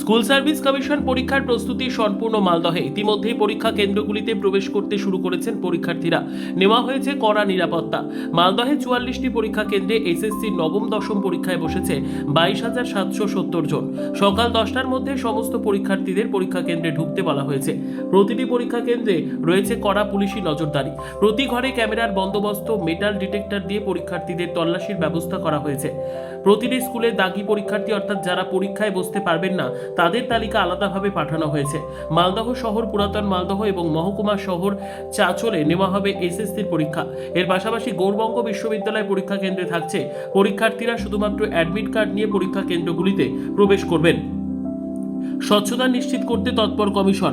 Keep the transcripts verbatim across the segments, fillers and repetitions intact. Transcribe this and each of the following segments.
School service commission পরীক্ষার প্রস্তুতি সম্পূর্ণ মালদহে। ইতিমধ্যেই পরীক্ষা কেন্দ্রগুলিতে প্রবেশ করতে শুরু করেছেন পরীক্ষার্থীরা। নেওয়া হয়েছে কড়া নিরাপত্তা। মালদহে চুয়াল্লিশটি পরীক্ষা কেন্দ্রে এসএসসি নবম দশম পরীক্ষায় বসেছে বাইশ হাজার সাতশো সত্তর জন। সকাল দশটার মধ্যে সমস্ত পরীক্ষার্থীদের পরীক্ষা কেন্দ্রে ঢুকতে বলা হয়েছে। প্রতিটি পরীক্ষা কেন্দ্রে রয়েছে কড়া পুলিশি নজরদারি। প্রতি ঘরে ক্যামেরার বন্দোবস্ত, মেটাল ডিটেক্টর দিয়ে পরীক্ষার্থীদের তল্লাশির ব্যবস্থা করা হয়েছে। প্রতিটি স্কুলে দাগি পরীক্ষার্থী অর্থাৎ যারা পরীক্ষায় বসতে পারবেন না তাদের তালিকা আলাদাভাবে পাঠানো হয়েছে। মালদহ শহর, পুরাতন মালদহ এবং মহকুমা শহর চাঁচলে নেওয়া হবে এসএসসির পরীক্ষা। এর পাশাপাশি গৌরবঙ্গ বিশ্ববিদ্যালয় পরীক্ষা কেন্দ্রে থাকছে। পরীক্ষার্থীরা শুধুমাত্র অ্যাডমিট কার্ড নিয়ে পরীক্ষা কেন্দ্রগুলিতে প্রবেশ করবেন। স্বচ্ছতা নিশ্চিত করতে তৎপর কমিশন।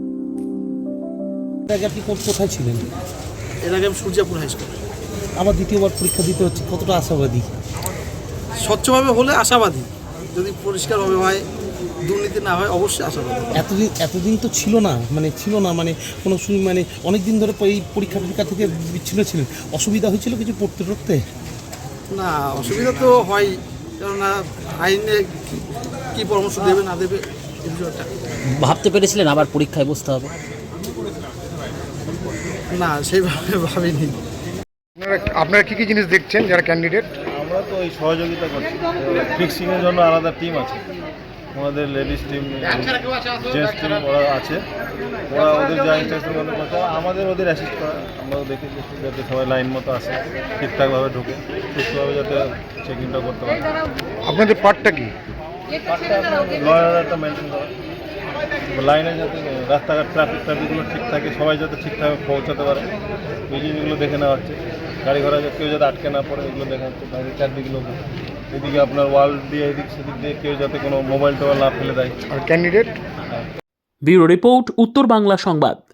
এর আগে আপনি কোন- কোথায় ছিলেন? এর আগে আমি সূর্যাপুর হাই স্কুল। আবার দ্বিতীয়বার পরীক্ষা দিতে হচ্ছে, কতটা আশাবাদী? স্বচ্ছভাবে হলে আশাবাদী, যদি পরিষ্কারভাবে হয়, দুর্নীতি না হয়, অবশ্যই আশাবাদী। এতদিন এতদিন তো ছিল না, মানে ছিল না মানে কোনো শুনি মানে অনেক দিন ধরে এই পরীক্ষা টরীক্ষা থেকে বিচ্ছিন্ন ছিলেন, অসুবিধা হয়েছিল কিছু পড়তে টড়তে? না, অসুবিধা তো হয়, কেননা আইনে কি- কি পরামর্শ দেবে না দেবে এই বিষয়টা। ভাবতে পেরেছিলেন আবার পরীক্ষায় বসতে হবে? না, সেইভাবে ভাবিনি। আপনারা আপনারা কী কী জিনিস দেখছেন যারা ক্যান্ডিডেট? আমরা তো এই সহযোগিতা করছি। ফিক্সিংয়ের জন্য আলাদা টিম আছে, আমাদের লেডিস টিম, জেন্টস টিম ওরা আছে। ওরা ওদের যা ইনস্ট্রাকশন মতো করছে, আমাদের ওদের অ্যাসিস্ট করা। আমরাও দেখি যাতে সবাই লাইন মতো আসে, ঠিকঠাকভাবে ঢুকে সুস্থভাবে যাতে চেকিংটা করতে পারে। আপনাদের পার্টটা কি? লয়ার একটা মেনটেন করা, লাইনে যাতে রাস্তাঘাট ট্রাফিক ট্রাফিকগুলো ঠিক থাকে, সবাই যাতে ঠিকঠাক পৌঁছাতে পারে, এই জিনিসগুলো দেখে নেওয়া হচ্ছে। গাড়ি ঘোড়া কেউ যাতে আটকে না পড়ে, এগুলো দেখা হচ্ছে। বাইরে চারদিকগুলো এদিকে আপনার ওয়াল দিয়ে এদিক সেদিক দিয়ে কেউ যাতে কোনো মোবাইল টোবাইল না ফেলে দেয়। আর ক্যান্ডিডেট? ব্যুরো রিপোর্ট, উত্তর বাংলা সংবাদ।